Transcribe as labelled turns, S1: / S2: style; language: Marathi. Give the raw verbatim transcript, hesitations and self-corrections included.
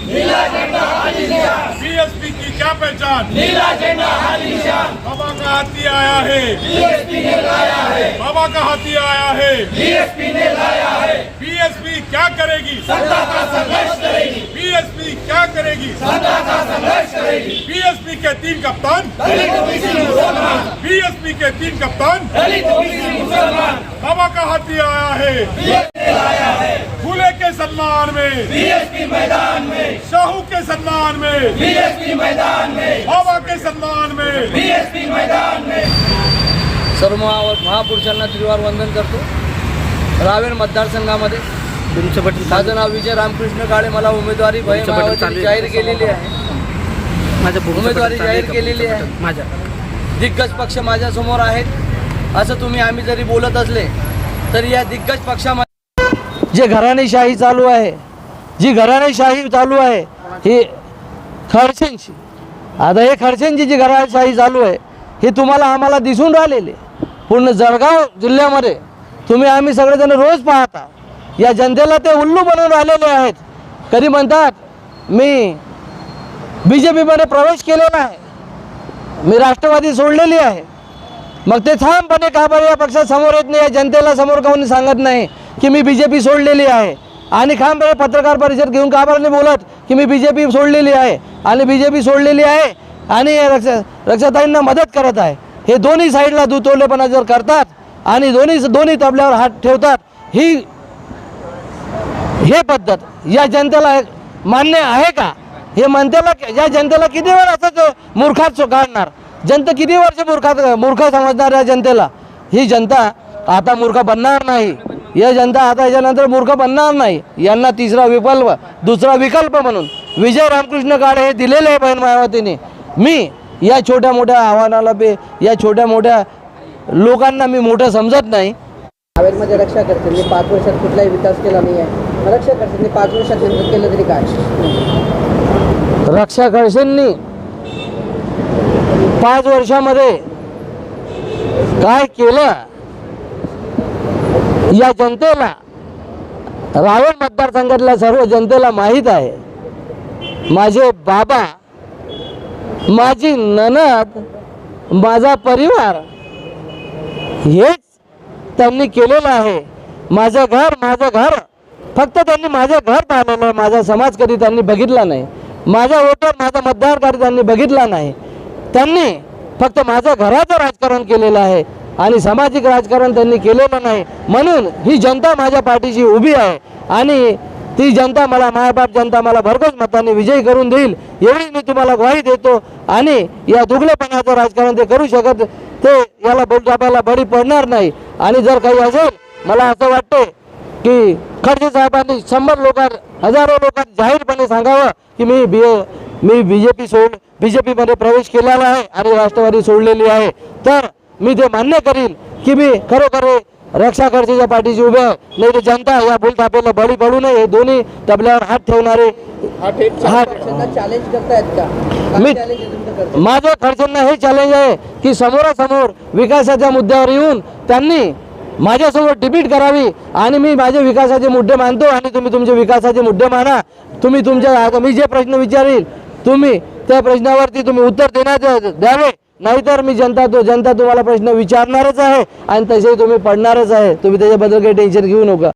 S1: नीला झंडा हाथ निशान,
S2: बीएसपी की क्या पहचान,
S1: नीला झंडा हाथ निशान,
S2: बाबा का हाथी आया है,
S1: बीएसपी ने लाया है,
S2: बाबा का हाथी आया है।
S1: बीएसपी ने लाया है,
S2: बीएसपी क्या करेगी,
S1: सत्ता का संघर्ष करेगी,
S2: बीएसपी क्या करेगी,
S1: सत्ता का संघर्ष करेगी।
S2: बीएसपी के तीन कप्तान,
S1: दलित ओबीसी मुसलमान,
S2: बीएसपी के तीन कप्तान,
S1: दलित ओबीसी मुसलमान,
S2: बाबा का हाथी आया है।
S1: बीएसपी ने लाया है,
S2: फूले के सम्मान में,
S1: बीएसपी मैदान में,
S2: शाहू के सम्मान में,
S1: बीएसपी मैदान में,
S2: बाबा के सम्मान में।
S1: बीएसपी मैदान में।
S3: सर्व महा- महापुरुषांना त्रिवार वंदन करतो। रावेर मतदारसंघामध्ये माझं नाव विजय रामकृष्ण काळे, मला उमेदवारी भय मायावती जाहीर केलेली आहे। उमेदवारी जाहीर केलेली आहे। माझ्या दिग्गज पक्ष माझ्यासमोर आहेत असं तुम्ही आम्ही जरी बोलत असले तरी या दिग्गज पक्षामध्ये जे घराणेशाही चालू आहे, जी घराणेशाही चालू आहे ही खडसेंची, आता हे खडसेंची जी घराणेशाही चालू आहे ही तुम्हाला आम्हाला दिसून राहिलेली पूर्ण जळगाव जिल्ह्यामध्ये तुम्ही आम्ही सगळेजण रोज पाहता। या जनतेला ते उल्लू बनवून राहिलेले आहेत। कधी म्हणतात मी बी जे पीमध्ये प्रवेश केलेला आहे, मी राष्ट्रवादी सोडलेली आहे, मग ते ठामपणे का बरं या पक्षासमोर येत नाही, या जनतेला समोर कोणी सांगत नाही की मी बी जे पी सोडलेली आहे, आणि ठामपणे पत्रकार परिषद घेऊन का बरं नाही बोलत की मी बी जे पी सोडलेली आहे आणि बी जे पी सोडलेली आहे आणि रक्षा रक्षाताईंना मदत करत आहे। हे दोन्ही साईडला दुतोलेपणा जर करतात आणि दोन्ही दोन्ही तबल्यावर हात ठेवतात, ही हे पद्धत या जनतेला मान्य आहे का? हे मनतेला या जनतेला किती वेळ असंच मूर्खात काढणार? जनता किती वर्ष मूर्खात मूर्ख समजणार या जनतेला? ही जनता आता मूर्ख बनणार नाही, या जनता आता याच्यानंतर मूर्ख बनणार नाही। यांना तिसरा विकल्प दुसरा विकल्प म्हणून विजय रामकृष्ण काळे हे दिलेले आहे बहीण मायावतीने। मी या छोट्या मोठ्या आव्हानाला बे या छोट्या मोठ्या लोकांना मी मोठं समजत नाही।
S4: रावेरमध्ये रक्षा खडसेंनी पाच वर्षात कुठलाही विकास केला नाही आहे। रक्षा खडसेंनी पाच वर्षात नेमकं केलं तरी काय?
S3: रक्षा खडसेंनी पाच वर्षामध्ये काय केलं या जनतेला, रावेर मतदारसंघातल्या सर्व जनतेला माहीत आहे। माझे बाबा, माझी नणद, माझा परिवार हेच त्यांनी केलेलं आहे। माझं घर माझं घर फक्त त्यांनी माझं घर पाहिलेलं आहे, माझा समाज कधी त्यांनी बघितला नाही, माझा वोटर माझा मतदार कधी त्यांनी बघितला नाही। त्यांनी फक्त माझ्या घराचं राजकारण केलेलं आहे आणि सामाजिक राजकारण त्यांनी केलेलं नाही। म्हणून ही जनता माझ्या पाठीशी उभी आहे आणि ती जनता मला मायबाप जनता मला भरघोस मताने विजयी करून देईल एवढी मी तुम्हाला ग्वाही देतो। आणि या दुगलेपणाचं राजकारण ते करू शकत ते याला बोलचापाला बळी पडणार नाही। आणि जर काही असेल मला असं वाटते की खडसे साहेबांनी शंभर लोकांना हजारो लोकांना जाहीरपणे सांगावं की मी बी मी बी जे पी सोड बी जे पीमध्ये प्रवेश केलेला आहे आणि राष्ट्रवादी सोडलेली आहे, तर मी ते मान्य करील की मी खरोखर रक्षा खडसेच्या पाठीशी उभे आहे। नाही तर जनता या बोलतापेला बळी पडू नये हे दोन्ही तबल्यावर हात ठेवणारे हात
S4: चॅलेंज करतायत का?
S3: मी
S4: काय challenge तुमचं करताय?
S3: माझं खडसेंना हे चॅलेंज आहे की समोरासमोर विकासाच्या मुद्द्यावर येऊन त्यांनी माझ्यासमोर डिबेट करावी आणि मी माझे विकासाचे मुद्दे मानतो आणि तुम्ही तुमचे विकासाचे मुद्दे माना। तुम्ही तुमच्या मी जे प्रश्न विचारील तुम्ही त्या प्रश्नावरती तुम्ही उत्तर देण्यात द्यावे, नाहीतर मी जनता तो जनता तुम्हाला प्रश्न विचारणारच आहे आणि तसे तुम्ही पडणारच आहे। तुम्ही त्याच्याबद्दल काही टेन्शन घेऊ नका।